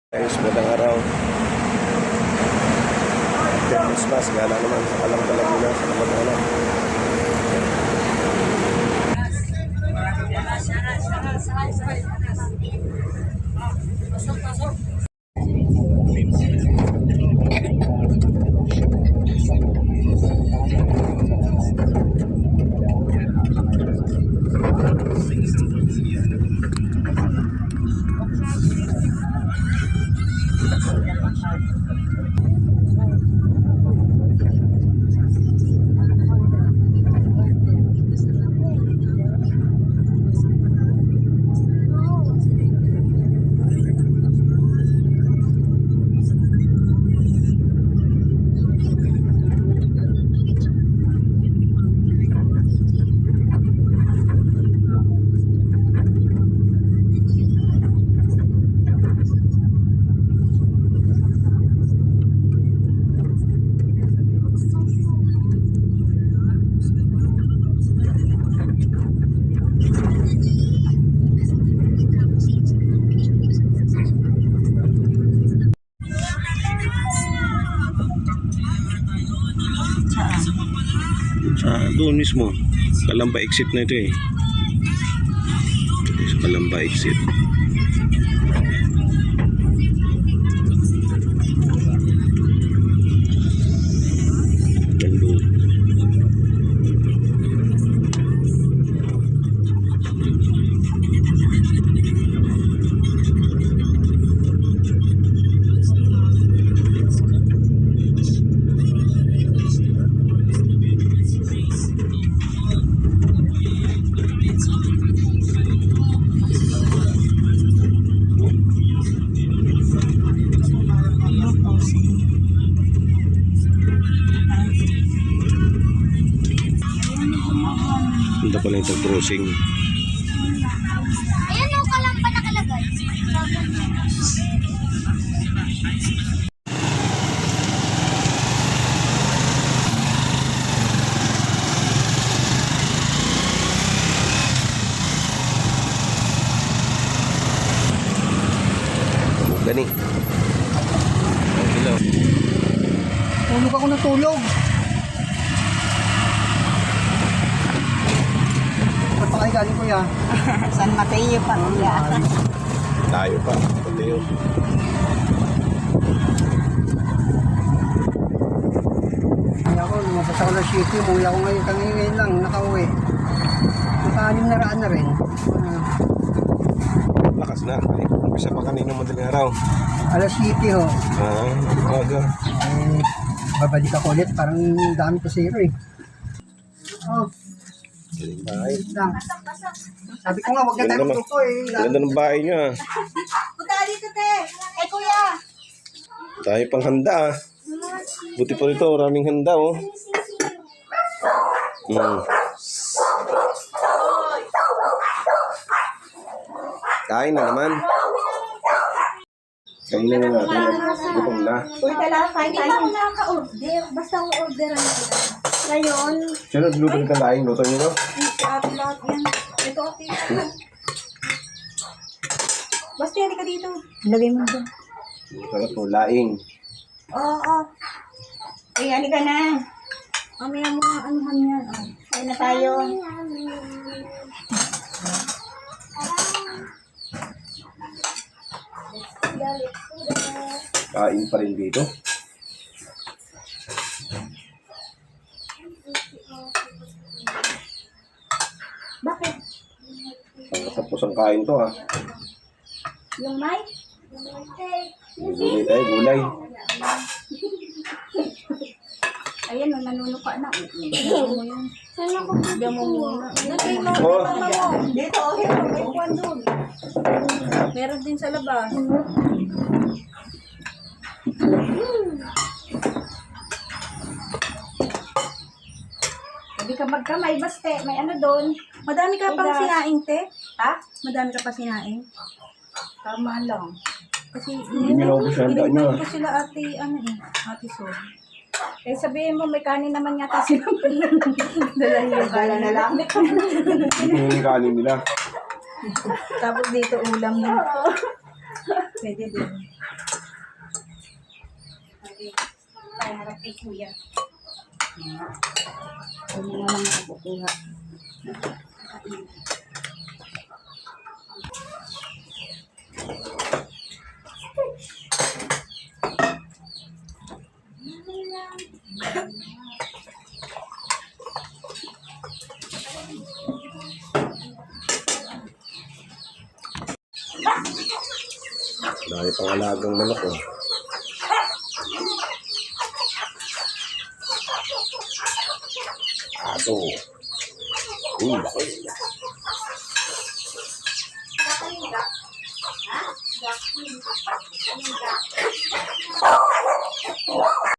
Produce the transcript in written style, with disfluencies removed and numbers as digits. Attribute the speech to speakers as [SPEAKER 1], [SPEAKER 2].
[SPEAKER 1] Guys, magandang araw. Christmas, gala naman sa Kalang muna sa Kamag-anak. Doon mismo, Kalamba exit na ito eh. Sa Kalamba exit. Punta pala yung crossing.
[SPEAKER 2] Ayan o, Kalamba nakalagay.
[SPEAKER 1] Gani. Hello.
[SPEAKER 3] Tulog ako ng tulog. Ba't pa kayo galing, kuya?
[SPEAKER 2] San Mateo pa, kuya.
[SPEAKER 1] Tayo pa. Tayo.
[SPEAKER 3] Kaya ako, lumabas ako ng city. Umuwi ako ngayon. Ngayon lang, nakauwi. Naka-6 na raan na rin.
[SPEAKER 1] Lakas na. Umpisa pa kanina madaling araw.
[SPEAKER 3] Alas 7 ho.
[SPEAKER 1] Aga.
[SPEAKER 3] Babalik ako ulit. Parang dami pa zero eh. Oh,
[SPEAKER 1] Galing bahay.
[SPEAKER 3] wait lang. Sabi ko nga, huwag na tayo magtuto eh.
[SPEAKER 1] Ganda ng bahay niyo ah.
[SPEAKER 2] Punta dito, te. Eh, kuya.
[SPEAKER 1] Tayo pang handa ah. Buti po rito, maraming handa oh. Kain na naman. Kain na natin. Gutom na.
[SPEAKER 2] Uy, kailangan kain tayo. Hindi ako nakaka-order. Basta ang order ang ngayon.
[SPEAKER 1] Sino luto nito laing? Luto niyo no?
[SPEAKER 2] Lahat yan. Ito, okay. Basta yan ka dito. Lagay mo dyan.
[SPEAKER 1] Sarap po, laing.
[SPEAKER 2] Oo. Eh, ano ka na? Mamaya mo ang anuhan yan. Oh. Kain na tayo.
[SPEAKER 1] Kain pa rin dito.
[SPEAKER 2] Bakit?
[SPEAKER 1] Ang katapos ang kain to ah.
[SPEAKER 2] Yung mic?
[SPEAKER 1] Gulay tayo, gulay.
[SPEAKER 2] Ayan, nanunuka na. Bigyan mo yun. Bigyan mo muna. Nagay mo.
[SPEAKER 1] Oh.
[SPEAKER 2] Dito, okay. May kwan doon. Meron din sa labas. Hindi ka magkamay, baste. May ano doon. Madami ka pang sinaing, te. Ha? Madami ka pa sinaing. Tama lang. Kasi
[SPEAKER 1] Hindi nyo naubos yung handa nyo.
[SPEAKER 2] ko sila ate, ate Sol. Eh sabihin mo, may kanin naman yata sila. Dala na lang.
[SPEAKER 1] Hindi ko yung kanin nila.
[SPEAKER 2] Tapos dito ulam yun. Pwede din. Sige. Tayo harap kay kuya. Ano nga lang nakabukuha.
[SPEAKER 1] Dahil pang alagang manok oh. Aso. Laki.
[SPEAKER 2] Ha?